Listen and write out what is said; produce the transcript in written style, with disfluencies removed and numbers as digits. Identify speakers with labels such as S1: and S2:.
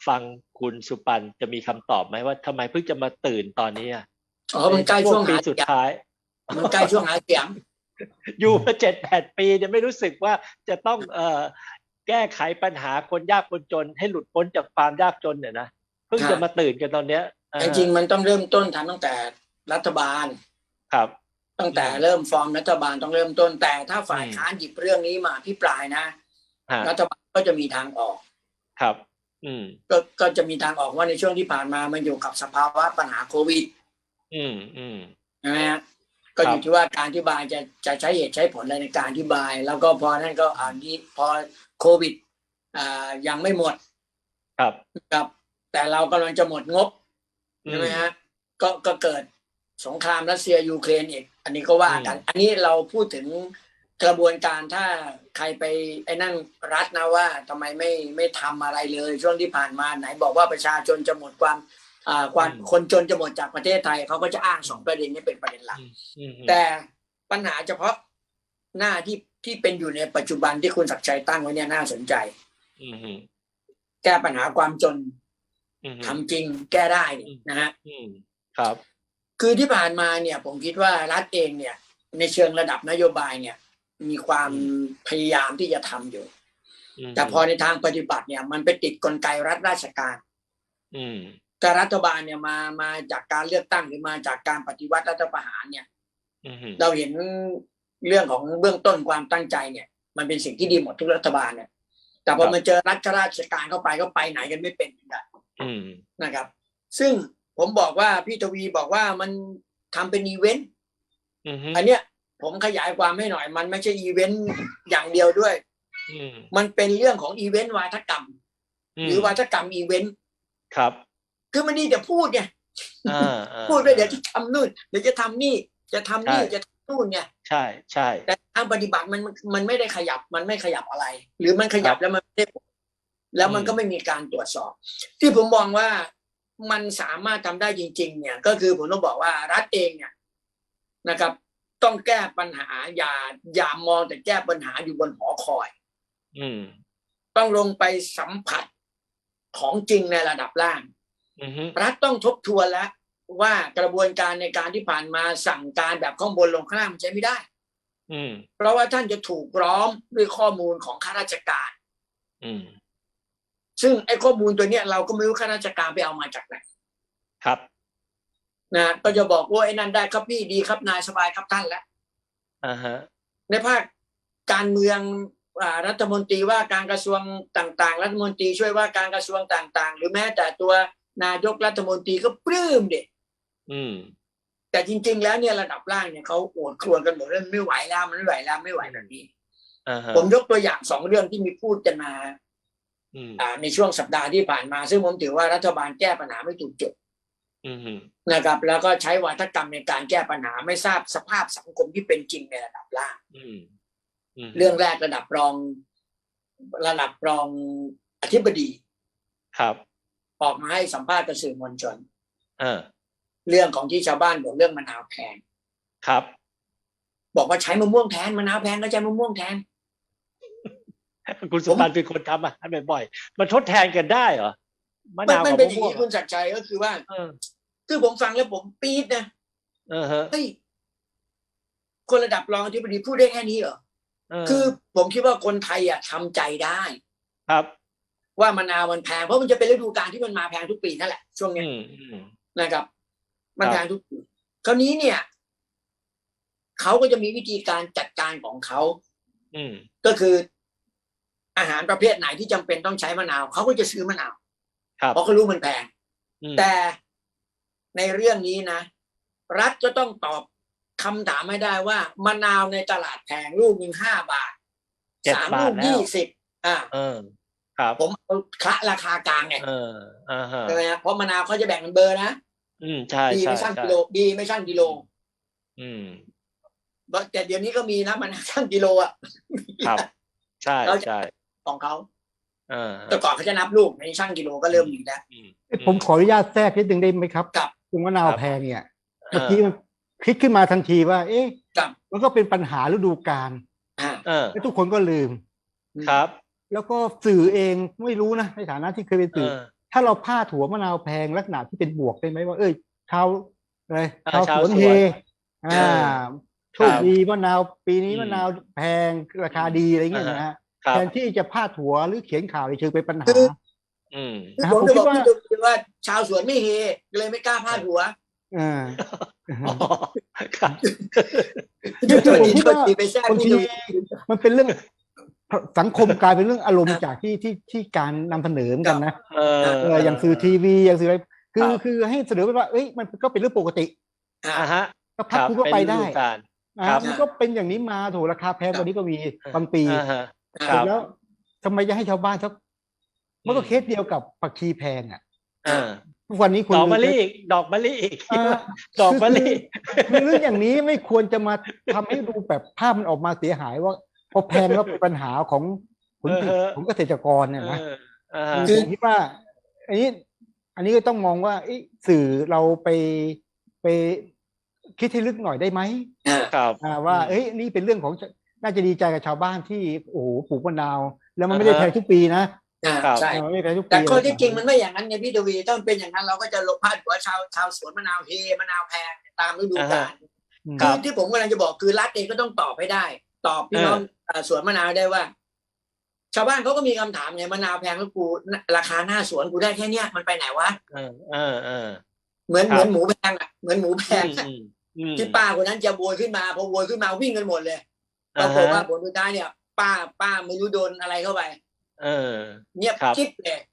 S1: ฟังคุณสุปันจะมีคำตอบไหมว่าทำไมเพิ่งจะมาตื่นตอนนี้อ่ะ
S2: มันใกล้ช่วง
S1: ปี
S2: หา
S1: สุดท้าย
S2: มันใกล้ช่วงหาเสียง
S1: อยู่มา7-8 ปีเนี่ยไม่รู้สึกว่าจะต้องแก้ไขปัญหาคนยากคนจนให้หลุดพ้นจากความยากจนเนี่ยนะเพิ่งจะมาตื่นกันตอนเนี้ย
S2: จริงๆมันต้องเริ่มต้นทำตั้งแต่รัฐบาล
S1: ครับ
S2: ตั้งแต่เริ่มฟอร์มรัฐบาลต้องเริ่มต้นแต่ถ้าฝ่ายค้านหยิบเรื่องนี้มาพิปรายนะรัฐบาลก็จะมีทางออก
S1: ครับ
S2: ก็จะมีทางออกว่าในช่วงที่ผ่านมามันอยู่กับสภาวะปัญหาโควิดใช่ไหมฮะก็อยู่ที่ว่าการอธิบายจะใช้เหตุใช้ผลอะไรในการอธิบายแล้วก็พอนั่นก็พอโควิดยังไม่หมดครับแต่เรากำลังจะหมดงบใช่ไหมฮะก็เกิดสงครามรัสเซียยูเครนอีกอันนี้ก็ว่ากันอันนี้เราพูดถึงกระบวนการถ้าใครไปไอ้นั่นรัฐนะว่าทำไมไม่ทำอะไรเลยช่วงที่ผ่านมาไหนบอกว่าประชาชนจะหมดความคนจนจะหมดจากประเทศไทยเขาก็จะอ้าง2ประเด็นนี้เป็นประเด็นหลักแต่ปัญหาเฉพาะหน้าที่เป็นอยู่ในปัจจุบันที่คุณศักดิ์ชัยตั้งไว้เนี่ยน่าสนใจแก้ปัญหาความจนทำจริงแก้ได้นะฮะ
S1: ครับ
S2: คือที่ผ่านมาเนี่ยผมคิดว่ารัฐเองเนี่ยในเชิงระดับนโยบายเนี่ยมีความพยายามที่จะทำอยู่แต่พอในทางปฏิบัติเนี่ยมันไปติดกลไกรัฐราชการแต่รัฐบาลเนี่ยมาจากการเลือกตั้งหรือมาจากการปฏิวัติรัฐประหารเนี่ยเราเห็นเรื่องของเบื้องต้นความตั้งใจเนี่ยมันเป็นสิ่งที่ดีหมดทุกรัฐบาลเนี่ยแต่พอมาเจอรัฐราชการเข้าไปก็ไปไหนกันไม่เป็นนะครับซึ่งผมบอกว่าพี่ทวีบอกว่ามันทำเป็นอีเวนต์อันเนี้ยผมขยายความให้หน่อยมันไม่ใช่อีเวนต์อย่างเดียวด้วยมันเป็นเรื่องของอีเวนต์วาทกรรมหรือวาทกรรมอีเวนต์
S1: ครับ
S2: คือมันนี่จะพูดไงพูดไปเดี๋ยวจะทำนู่นเดี๋ยวจะทำนี่จะทำนี่จะทำนู่นไง
S1: ใช่ใช่
S2: แต่ทางปฏิบัติมันไม่ได้ขยับมันไม่ขยับอะไรหรือมันขยับแล้วมันไม่ได้แล้วมันก็ไม่มีการตรวจสอบที่ผมมองว่ามันสามารถทำได้จริงๆเนี่ยก็คือผมต้องบอกว่ารัฐเองเนี่ยนะครับต้องแก้ปัญหาอย่ามองแต่แก้ปัญหาอยู่บนหอคอยต้องลงไปสัมผัสของจริงในระดับล่างรัฐต้องทบทวนแล้วว่ากระบวนการในการที่ผ่านมาสั่งการแบบข้างบนลงข้างล่างมันใช้ไม่ได้เพราะว่าท่านจะถูกล้อมด้วยข้อมูลของข้าราชการซึ่งไอ้ข้อมูลตัวเนี้ยเราก็ไม่รู้ข้าราชการไปเอามาจากไหน
S1: ครับ
S2: นะก็จะบอกว่าไอ้นั่นได้ครับพี่ดีครับนายสบายครับท่านแล้วในภาคการเมืองรัฐมนตรีว่าการกระทรวงต่างๆรัฐมนตรีช่วยว่าการกระทรวงต่างๆหรือแม้แต่ตัวนายกรัฐมนตรีก็ปลื้มเด็กแต่จริงๆแล้วเนี่ยระดับล่างเนี่ยเขาโอดครวญกันหมดเรื่องไม่ไหวแล้วมันไม่ไหวแล้วไม่ไหวแบบนี้ผมยกตัวอย่าง2เรื่องที่มีพูดกันมาในช่วงสัปดาห์ที่ผ่านมาซึ่งผมถือว่ารัฐบาลแก้ปัญหาไม่ถูกจุดนะครับแล้วก็ใช้วาทกรรมในการแก้ปัญหาไม่ทราบสภาพสังคมที่เป็นจริงในระดับล่างเรื่องแรกระดับรองอธิบดี
S1: ครับ
S2: ออกมาให้สัมภาษณ์กับสื่อมวลชนเรื่องของที่ชาวบ้านบอกเรื่องมะนาวแพง
S1: ครับ
S2: บอกว่าใช้มะม่วงแทนมะนาวแพงก็ใช้มะม่วงแทน
S1: คุณสุปันเป็นคนทำให้บ่อยๆมันทดแทนกันได้เหรอ
S2: มะนาวกับมะม่วงมันเป็นอย่างนี้คุณศักดิ์ชัยก็คือว่าคือผมฟังแล้วผมปี๊ดนะเฮ้ยคนระดับรองอธิบดีพูดได้แค่นี้เหรอคือผมคิดว่าคนไทยทำใจได้
S1: ครับ
S2: ว่ามะนาวมันแพงเพราะมันจะเป็นฤดูกาลที่มันมาแพงทุกปีนั่นแหละช่วงนี้นะครับมันแพงทุกปีคราวนี้เนี่ยเขาก็จะมีวิธีการจัดการของเขาก็คืออาหารประเภทไหนที่จำเป็นต้องใช้มะนาวเขาก็จะซื้อมะนาวเพราะเขารู้มันแพงแต่ในเรื่องนี้นะรัฐก็ต้องตอบคำถามไม่ได้ว่ามะนาวในตลาดแพงลูกนึง5 บาท3 ลูก20
S1: ครับ
S2: ผมเอาคะราคากลางไงใช่ไหมครับเพราะมะนาวเขาจะแบ่งเป็นเบอร์นะ
S1: ใช่
S2: ดีไม่ชั่งกิโลดีไม่ชั่งกิโลแต่เดี๋ยวนี้ก็มีนะมะนาวชั่งกิโล
S1: ครับใช่ใช่
S2: ของเขาแต่ก่อนเขาจะนับลูกในชั่งกิโลก็เริ่มมีแล้ว
S3: ผมขออนุญาตแทรกนิดนึงได้ไหมครับ
S2: กับ
S3: มะนาวแพงเนี่ยเมื่อกี้มันคิดขึ้นมาทันทีว่าเอ๊ะมันก็เป็นปัญหาฤดูกาลแล้วทุกคนก็ลืม
S1: ครับ
S3: แล้วก็สื่อเองไม่รู้นะในฐานะที่เคยเป็นสื่อถ้าเราพาดหัวมะนาวแพงลักษณะที่เป็นบวกได้ไหมว่าเอ้ยชาวอะไรชาว
S1: ชาว
S3: สวน
S1: สวน
S3: เฮโชคดีมะนาวปีนี้มะนาวแพงราคาดีอะไรเงี้ยนะฮะ
S1: ครับ
S3: แทนที่จะพาดหัวหรือเขียนข่าวในเชิงเป็นปัญหา
S1: อืม
S2: คือ
S3: นะครับ
S2: ผมจะบอก
S3: ผมคิดว่า
S2: พี่ดูว่าชาวสวนไม่เฮเลยไม่กล้าพาดหัว
S3: อ่า
S1: อ๋อครับ
S3: คือผมคิดว่า
S2: ไปแทรก
S3: บาง
S2: พี่
S3: ที
S2: ดู
S3: มันเป็นเรื่องสังคมกลายเป็นเรื่องอารมณ์จากที่การนำเสนอเหมือนกันนะอย่างสื่อทีวีอย่างสื่ออะไรคือให้เสนอไปว่าเอ้ยมันก็เป็นเรื่องปกติ
S1: ฮะ
S3: ก็พักคุณก็ไปได้
S1: ครับ
S3: มันก็เป็นอย่างนี้มาโถราคาแพงกว่านี้ก็มีบางปี
S1: ค
S3: เสร็
S1: รั
S3: จ
S1: บ
S3: แล้วทำไมจะให้ชาวบ้านเขามันก็เคสเดียวกับผักชีแพงอ่ะทุกวันนี้คน
S1: ดอกมะลิอีกดอกมะลิอีก
S3: อ่า
S1: ดอกมะลิ
S3: คือเรื่องอย่างนี้ไม่ควรจะมาทำให้ดูแบบภาพมันออกมาเสียหายว่าพอแพงแล้วเป็นปัญหาของผลผลิตของเกษตรกรเนี่ยนะคือผมคิดว่า อันนี้ก็ต้องมองว่าสื่อเราไปคิดให้ลึกหน่อยได้ไหม
S1: ครับ
S3: ว่านี่เป็นเรื่องของน่าจะดีใจกับชาวบ้านที่โอ้โหปลูกมะนาว แล้วมันไม่ได้แพงทุกปีนะ
S2: ใช่
S3: มันไม่ได้แพงทุกปี
S2: แต่ข้อที่จริงมันไม่อย่างนั้นไงพี่ทวีต้องเป็นอย่างนั้นเราก็จะลงพาดหัวชาวสวนมะนาวเฮมะนาวแพงตามฤดูกาลคือที่ผมกำลังจะบอกคือรัฐเองก็ต้องตอบให้ได้ตอบพี่น้องสวนมะนาวได้ว่า ชาวบ้านเขาก็มีคำถามไงมะนาวแพงแล้วกูราคาหน้าสวนกูได้แค่เนี้ยมันไปไหนวะเหมือนหมูแพงอ่ะเหมือนหมูแพงที่ป้าคนนั้นจะโวยขึ้นมาพอโวยขึ้นมาวิ่งกันหมดเลยปรากฏว่าผลสุดท้ายเนี่ยป้าไม่รู้โดนอะไรเข้าไปเงียบจิ๊บเลย